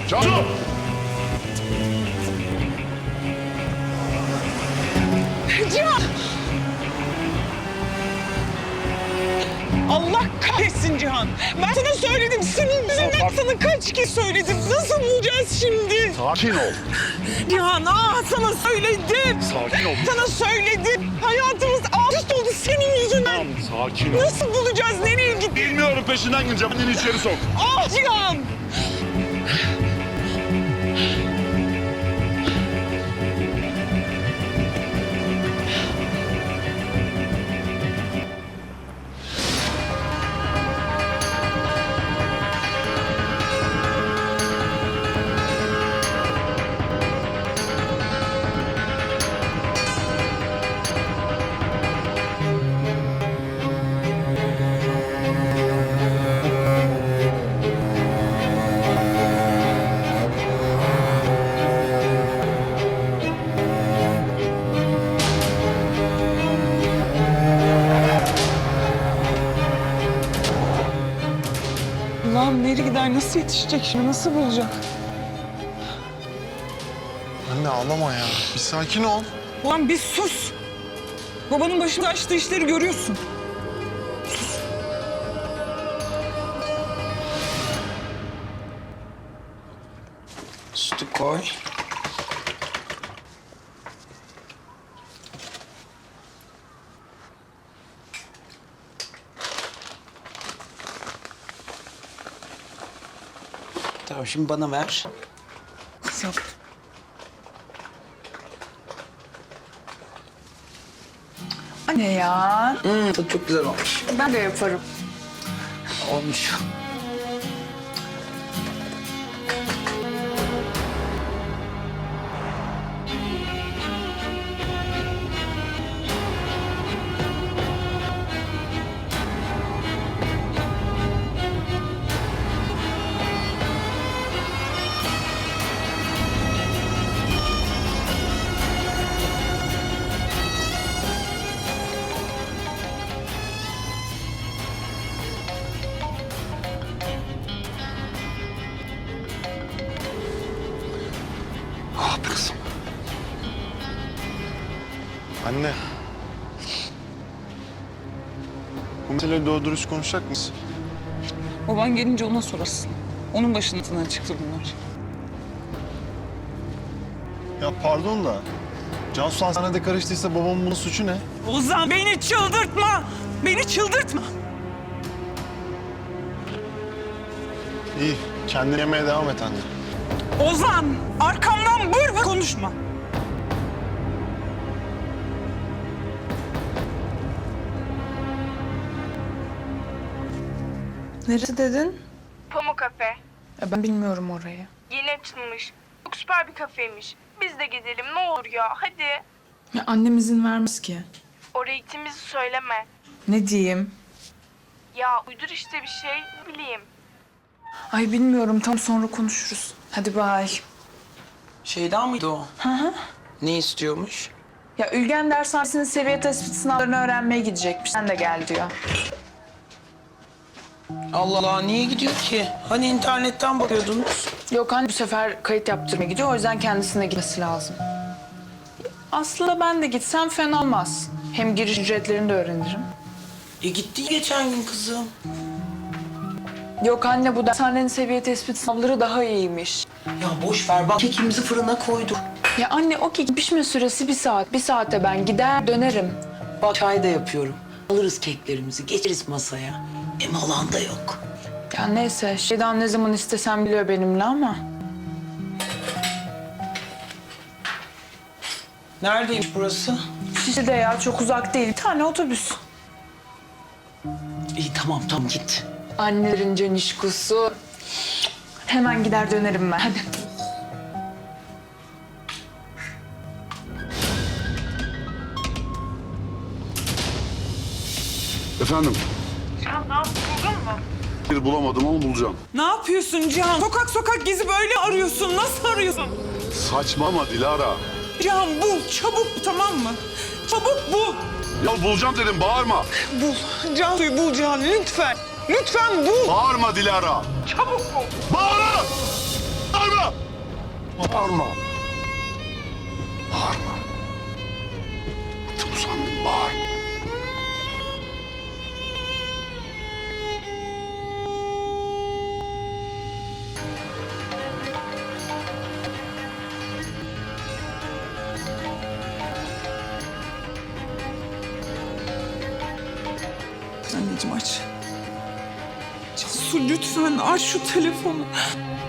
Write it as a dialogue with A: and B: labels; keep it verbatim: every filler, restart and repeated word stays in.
A: Cansu!
B: Cihan! Allah kahretsin Cihan. Ben sana söyledim. Senin yüzünden sana kaç kez söyledim. Nasıl bulacağız şimdi?
A: Sakin ol.
B: Cihan, aa sana söyledim.
A: Sakin ol.
B: Sana söyledim. Hayatımız alt üst oldu senin yüzünden.
A: Tamam, sakin ol.
B: Nasıl bulacağız? Nereye gittin?
A: Bilmiyorum, peşinden gideceğim. Anneni içeri sok.
B: Ah Cihan! Allah'ım nereye gider? Nasıl yetişecek şimdi? Nasıl bulacak?
C: Anne ağlama ya. Bir sakin ol.
B: Ulan bir sus. Babanın başında açtığı işleri görüyorsun.
D: Sütü koy. Tamam, şimdi bana ver.
B: Yok. Anne ya.
D: Hmm, tadı çok güzel olmuş.
B: Ben de yaparım.
D: Olmuş.
C: Ah be kızım. Anne. Bu meseleyi doğru dürüst konuşacak mısın?
B: Baban gelince ona sorasın. Onun başından çıktı bunlar.
C: Ya pardon da. Cansu hastanede karıştıysa babamın bunun suçu ne?
B: Ozan beni çıldırtma. Beni çıldırtma.
C: İyi. Kendini yemeye devam et anne.
B: Ozan arkamdan bır bır konuşma.
E: Neresi dedin?
F: Pamuk Kafe.
E: Ya ben bilmiyorum orayı.
F: Yeni açılmış. Çok süper bir kafeymiş. Biz de gidelim ne olur ya hadi.
E: Ya annem izin vermez ki.
F: Oraya gittiğimizi söyleme.
E: Ne diyeyim?
F: Ya uydur işte bir şey ne bileyim.
E: Ay bilmiyorum, tam sonra konuşuruz. Hadi bay.
D: Şeyda mıydı o?
E: Hı hı.
D: Ne istiyormuş?
E: Ya Ülgen dershanesinin seviye tespit sınavlarını öğrenmeye gidecekmiş. Sen de gel diyor.
D: Allah Allah, niye gidiyor ki? Hani internetten bakıyordunuz?
E: Yok anne, bu sefer kayıt yaptırmaya gidiyor. O yüzden kendisine gitmesi lazım. Aslında ben de gitsem fena olmaz. Hem giriş ücretlerini de öğrenirim.
D: E gitti geçen gün kızım.
E: Yok anne, bu dershanenin seviye tespit sınavları daha iyiymiş.
D: Ya boş ver, bak kekimizi fırına koyduk.
E: Ya anne, o kek pişme süresi bir saat. Bir saate ben gider dönerim.
D: Bak çay da yapıyorum. Alırız keklerimizi, geçeriz masaya. Hem alan da yok.
E: Ya neyse, şeyden ne zaman istesem biliyor benimle ama.
D: Neredeymiş burası?
E: Şişli'de ya, çok uzak değil. Bir tane otobüs.
D: İyi tamam tamam git.
E: Annelerin canişkusu. Hemen gider dönerim ben. Hadi.
A: Efendim?
F: Cihan ne yaptın buldun mu?
A: Bir bulamadım ama bulacağım.
B: Ne yapıyorsun Cihan? Sokak sokak gezip öyle arıyorsun. Nasıl arıyorsun?
A: Saçmalama Dilara.
B: Cihan bul, çabuk tamam mı? Çabuk bul.
A: Ya bulacağım dedim, bağırma.
B: Bul. Cansu'yu bul Cihan lütfen. Lütfen bul.
A: Bağırma Dilara.
B: Çabuk bul.
A: Bağırma! Bağırma! Bağırma. Bağırma. Çok usandım, bağırma.
B: Anneciğim aç. Cansu lütfen aç şu telefonu.